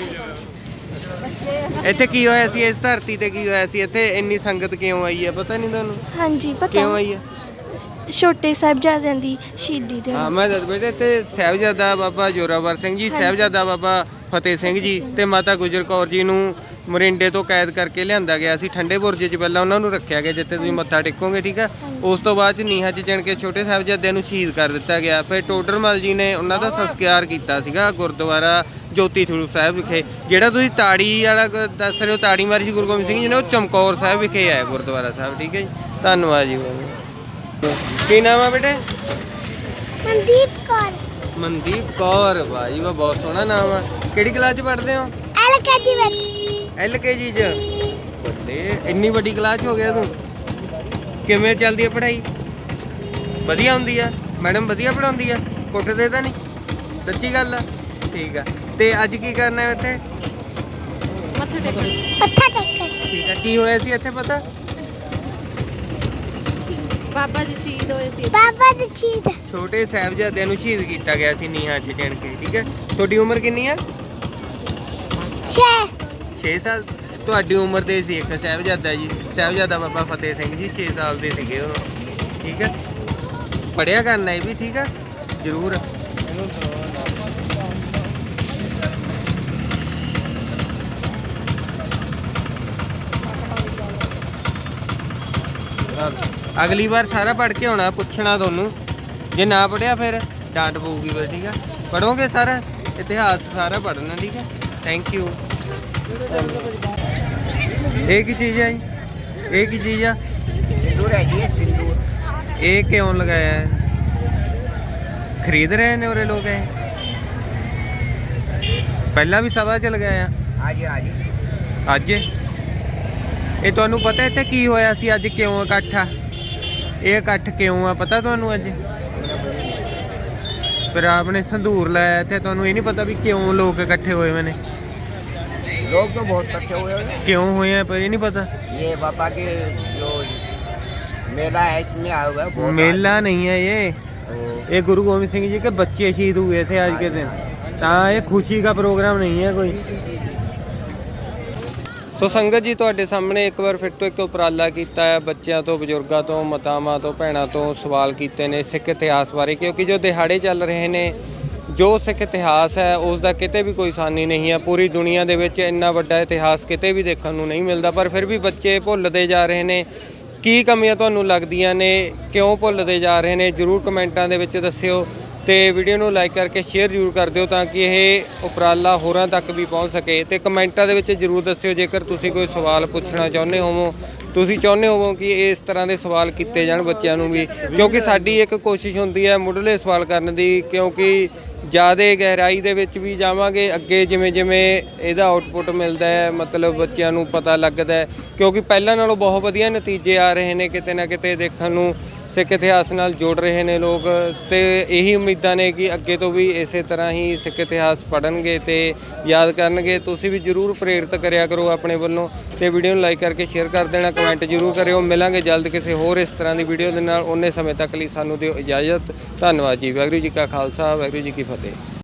ਇੱਥੇ ਕੀ ਹੋਇਆ ਸੀ? ਇਸ ਧਰਤੀ ਤੇ ਕੀ ਹੋਇਆ ਸੀ? ਇੱਥੇ ਇੰਨੀ ਸੰਗਤ ਕਿਉਂ ਆਈ ਹੈ ਪਤਾ ਨਹੀਂ ਤੁਹਾਨੂੰ? ਹਾਂਜੀ ਪਤਾ। ਕਿਉਂ ਆਈ ਹੈ? ਛੋਟੇ ਸਾਹਿਬਜ਼ਾਦਿਆਂ ਦੀ ਸ਼ਹੀਦੀ ਦੇ। ਹਾਂ ਮੈਂ ਦੱਸ ਬੇਟੇ ਇੱਥੇ ਸਾਹਿਬਜ਼ਾਦਾ ਬਾਬਾ ਜ਼ੋਰਾਵਰ ਸਿੰਘ ਜੀ, ਸਾਹਿਬਜ਼ਾਦਾ ਬਾਬਾ ਫਤਿਹ ਸਿੰਘ ਜੀ ਤੇ ਮਾਤਾ ਗੁਜਰ ਕੌਰ ਜੀ ਨੂੰ ਮੋਰਿੰਡੇ ਤੋਂ ਕੈਦ ਕਰਕੇ ਲਿਆਂਦਾ ਗਿਆ ਸੀ ਠੰਡੇ ਬੁਰਜ 'ਚ। ਪਹਿਲਾਂ ਉਹਨਾਂ ਨੂੰ ਰੱਖਿਆ ਗਿਆ ਜਿੱਥੇ ਤੁਸੀਂ ਮੱਥਾ ਟੇਕੋਗੇ, ਠੀਕ ਆ। ਉਸ ਤੋਂ ਬਾਅਦ 'ਚ ਨੀਹਾਂ 'ਚ ਚਿਣ ਕੇ ਛੋਟੇ ਸਾਹਿਬਜ਼ਾਦਿਆਂ ਨੂੰ ਸ਼ਹੀਦ ਕਰ ਦਿੱਤਾ ਗਿਆ। ਫਿਰ ਟੋਡਰਮਲ ਜੀ ਨੇ ਉਹਨਾਂ ਦਾ ਸੰਸਕਾਰ ਕੀਤਾ ਸੀਗਾ ਗੁਰਦੁਆਰਾ ਜੋਤੀ ਸਰੂਪ ਸਾਹਿਬ ਵਿਖੇ। ਜਿਹੜਾ ਤੁਸੀਂ ਤਾੜੀ ਵਾਲਾ ਗ- ਦੱਸ ਰਹੇ ਹੋ, ਤਾੜੀ ਮਾਰੀ ਸੀ ਗੁਰੂ ਗੋਬਿੰਦ ਸਿੰਘ ਜੀ ਨੇ, ਉਹ ਚਮਕੌਰ ਸਾਹਿਬ ਵਿਖੇ ਹੈ ਗੁਰਦੁਆਰਾ ਸਾਹਿਬ, ਠੀਕ ਹੈ ਜੀ। ਧੰਨਵਾਦ ਜੀ। ਕੀ ਨਾਮ ਆ ਬੇਟੇ? ਮਨਦੀਪ ਕੌਰ। ਮਨਦੀਪ ਕੌਰ। ਵਾਹ ਜੀ ਵਾਹ, ਬਹੁਤ ਸੋਹਣਾ ਨਾਮ ਆ। ਕਿਹੜੀ ਕਲਾਸ 'ਚ ਪੜ੍ਹਦੇ ਹੋ? ਐਲ ਕੇ ਜੀ ਵਿੱਚ। ਐਲ ਕੇ ਜੀ 'ਚ। ਬੱਲੇ, ਇੰਨੀ ਵੱਡੀ ਕਲਾਸ 'ਚ ਹੋ ਗਿਆ ਤੂੰ। ਕਿਵੇਂ ਚੱਲਦੀ ਹੈ ਪੜ੍ਹਾਈ? ਵਧੀਆ ਹੁੰਦੀ ਆ? ਮੈਡਮ ਵਧੀਆ ਪੜ੍ਹਾਉਂਦੀ ਆ? ਕੁੱਟਦੇ ਤਾਂ ਨਹੀਂ? ਸੱਚੀ ਗੱਲ ਆ? ਠੀਕ ਆ। ਤੇ ਅੱਜ ਕੀ ਕਰਨਾ ਹੈ ਇੱਥੇ? ਮੱਥਾ ਟੇਕਣ। ਠੀਕ ਆ। ਕੀ ਹੋਇਆ ਸੀ ਇੱਥੇ ਪਤਾ? ਬਾਬਾ ਜੀ ਸ਼ਹੀਦ ਹੋਏ ਸੀ। ਬਾਬਾ ਜੀ ਸ਼ਹੀਦ। ਛੋਟੇ ਸਾਹਿਬਜ਼ਾਦਿਆਂ ਨੂੰ ਸ਼ਹੀਦ ਕੀਤਾ ਗਿਆ ਸੀ ਨੀਹਾਂ 'ਚ ਚਿਣ ਕੇ, ਠੀਕ ਹੈ। ਤੁਹਾਡੀ ਉਮਰ ਕਿੰਨੀ ਆ? ਛੇ। ਛੇ ਸਾਲ। ਤੁਹਾਡੀ ਉਮਰ ਦੇ ਸੀ ਇੱਕ ਸਾਹਿਬਜ਼ਾਦਾ ਜੀ, ਸਾਹਿਬਜ਼ਾਦਾ ਬਾਬਾ ਫਤਿਹ ਸਿੰਘ ਜੀ, ਛੇ ਸਾਲ ਦੇ ਸੀਗੇ ਉਹ, ਠੀਕ ਹੈ। ਪੜ੍ਹਿਆ ਕਰਨਾ ਇਹ ਵੀ, ਠੀਕ ਹੈ, ਜ਼ਰੂਰ। ਅਗਲੀ ਵਾਰ ਸਾਰਾ ਪੜ੍ਹ ਕੇ ਆਉਣਾ, ਪੁੱਛਣਾ ਤੁਹਾਨੂੰ। ਜੇ ਨਾ ਪੜ੍ਹਿਆ ਫਿਰ ਡਾਂਟ ਪਊਗੀ ਫਿਰ, ਠੀਕ ਹੈ। ਪੜ੍ਹੋਗੇ ਸਾਰਾ ਇਤਿਹਾਸ ਸਾਰਾ ਪੜ੍ਹਨਾ, ਠੀਕ ਹੈ। Thank you. ਇਹ ਕੀ ਚੀਜ਼ ਹੈ ਜੀ? ਇਹ ਕੀ ਚੀਜ਼ ਆ? ਸਿੰਦੂਰ ਹੈ ਜੀ, ਸਿੰਦੂਰ। ਇਹ ਕਿਉਂ ਲਗਾਇਆ ਹੈ? ਖਰੀਦ ਰਹੇ ਨੇ ਉਰੇ ਲੋਕ ਇਹ? ਪਹਿਲਾਂ ਵੀ ਸਭਾ 'ਚ ਲਗਾਇਆ? ਹਾਂਜੀ ਹਾਂਜੀ। ਅੱਜ ਇਹ ਤੁਹਾਨੂੰ ਪਤਾ ਇੱਥੇ ਕੀ ਹੋਇਆ ਸੀ? ਅੱਜ ਕਿਉਂ ਇਕੱਠ ਆ? ਇਹ ਇਕੱਠ ਕਿਉਂ ਆ ਪਤਾ ਤੁਹਾਨੂੰ? ਅੱਜ ਫਿਰ ਆਪਨੇ ਸੰਧੂਰ ਲਾਇਆ ਇੱਥੇ, ਤੁਹਾਨੂੰ ਇਹ ਨਹੀਂ ਪਤਾ ਵੀ ਕਿਉਂ ਲੋਕ ਇਕੱਠੇ ਹੋਏ ਹੋਏ ਨੇ? लोग तो बहुत इकट्ठे हुए हैं। ਕਿਉਂ ਹੋਏ ਆ ਪਰ ਇਹ ਨਹੀਂ ਪਤਾ? ये बाबा के जो मेला है इसमें आए हुए हैं बहुत। मेला नहीं है ये, ये गुरु गोविंद सिंह जी के बच्चे शहीद हुए थे आज के दिन, ਤਾਂ ਇਹ ਖੁਸ਼ੀ ਦਾ ਪ੍ਰੋਗਰਾਮ ਨਹੀਂ ਹੈ ਕੋਈ। ਸੋ ਸੰਗਤ ਜੀ, ਤੁਹਾਡੇ ਸਾਹਮਣੇ ਇੱਕ ਵਾਰ ਫਿਰ ਤੋਂ ਇੱਕ ਉਪਰਾਲਾ ਕੀਤਾ ਹੈ। ਬੱਚਿਆਂ ਤੋਂ, ਬਜ਼ੁਰਗਾਂ ਤੋਂ, ਮਾਤਾਵਾਂ ਤੋਂ, ਭੈਣਾਂ ਤੋਂ ਸਵਾਲ ਕੀਤੇ ਨੇ ਸਿੱਖ ਇਤਿਹਾਸ ਬਾਰੇ, ਕਿਉਂਕਿ ਜੋ ਦਿਹਾੜੇ ਚੱਲ ਰਹੇ ਨੇ, ਜੋ ਸਿੱਖ ਇਤਿਹਾਸ ਹੈ ਉਸ ਦਾ ਕਿਤੇ ਵੀ ਕੋਈ ਸਾਨੀ ਨਹੀਂ ਹੈ। ਪੂਰੀ ਦੁਨੀਆ ਦੇ ਵਿੱਚ ਇੰਨਾ ਵੱਡਾ ਇਤਿਹਾਸ ਕਿਤੇ ਵੀ ਦੇਖਣ ਨੂੰ ਨਹੀਂ ਮਿਲਦਾ, ਪਰ ਫਿਰ ਵੀ ਬੱਚੇ ਭੁੱਲਦੇ ਜਾ ਰਹੇ ਨੇ। ਕੀ ਕਮੀਆਂ ਤੁਹਾਨੂੰ ਲੱਗਦੀਆਂ ਨੇ? ਕਿਉਂ ਭੁੱਲਦੇ ਜਾ ਰਹੇ ਨੇ? ਜ਼ਰੂਰ ਕਮੈਂਟਾਂ ਦੇ ਵਿੱਚ ਦੱਸਿਓ। ਤੇ ਵੀਡੀਓ ਨੂੰ ਲਾਈਕ ਕਰਕੇ ਸ਼ੇਅਰ ਜ਼ਰੂਰ ਕਰ ਦਿਓ ਤਾਂ ਕਿ ਇਹ ਉਪਰਾਲਾ ਹੋਰਾਂ ਤੱਕ ਵੀ ਪਹੁੰਚ ਸਕੇ। ਤੇ ਕਮੈਂਟਾਂ ਦੇ ਵਿੱਚ ਜ਼ਰੂਰ ਦੱਸਿਓ ਜੇਕਰ ਤੁਸੀਂ ਕੋਈ ਸਵਾਲ ਪੁੱਛਣਾ ਚਾਹੁੰਦੇ ਹੋਵੋ, ਤੁਸੀਂ ਚਾਹੁੰਦੇ ਹੋਵੋ ਕਿ ਇਸ ਤਰ੍ਹਾਂ ਦੇ ਸਵਾਲ ਕੀਤੇ ਜਾਣ ਬੱਚਿਆਂ ਨੂੰ ਵੀ, ਕਿਉਂਕਿ ਸਾਡੀ ਇੱਕ ਕੋਸ਼ਿਸ਼ ਹੁੰਦੀ ਹੈ ਮੁੱਢਲੇ ਸਵਾਲ ਕਰਨ ਦੀ, ਕਿਉਂਕਿ ਜ਼ਿਆਦਾ ਗਹਿਰਾਈ ਦੇ ਵਿੱਚ ਵੀ ਜਾਵਾਂਗੇ ਅੱਗੇ ਜਿਵੇਂ ਜਿਵੇਂ ਇਹਦਾ ਆਊਟਪੁੱਟ ਮਿਲਦਾ ਹੈ ਮਤਲਬ ਬੱਚਿਆਂ ਨੂੰ ਪਤਾ ਲੱਗਦਾ ਹੈ, ਕਿਉਂਕਿ ਪਹਿਲਾਂ ਨਾਲੋਂ ਬਹੁਤ ਵਧੀਆ ਨਤੀਜੇ ਆ ਰਹੇ ਨੇ ਕਿਤੇ ਨਾ ਕਿਤੇ ਦੇਖਣ ਨੂੰ, ਸਿੱਖ ਇਤਿਹਾਸ ਨਾਲ ਜੁੜ ਰਹੇ ਨੇ ਲੋਕ ਤੇ ਇਹੀ ਉਮੀਦਾਂ ਨੇ ਕਿ ਅੱਗੇ ਤੋਂ ਵੀ ਇਸੇ ਤਰ੍ਹਾਂ ਹੀ ਸਿੱਖ ਇਤਿਹਾਸ ਪੜ੍ਹਨਗੇ ਤੇ ਯਾਦ ਕਰਨਗੇ। ਤੁਸੀਂ ਵੀ ਜ਼ਰੂਰ ਪ੍ਰੇਰਿਤ ਕਰਿਆ ਕਰੋ ਆਪਣੇ ਵੱਲੋਂ ਤੇ ਵੀਡੀਓ ਨੂੰ ਲਾਈਕ ਕਰਕੇ ਸ਼ੇਅਰ ਕਰ ਦੇਣਾ, ਕਮੈਂਟ ਜ਼ਰੂਰ ਕਰਿਓ। ਮਿਲਾਂਗੇ ਜਲਦ ਕਿਸੇ ਹੋਰ ਇਸ ਤਰ੍ਹਾਂ ਦੀ ਵੀਡੀਓ ਦੇ ਨਾਲ, ਉਨੇ ਸਮੇਂ ਤੱਕ ਲਈ ਸਾਨੂੰ ਦਿਓ ਇਜਾਜ਼ਤ। ਧੰਨਵਾਦ ਜੀ। ਵਾਹਿਗੁਰੂ ਜੀ ਕਾ ਖਾਲਸਾ, ਵਾਹਿਗੁਰੂ ਜੀ ਕੀ ਫਤਿਹ।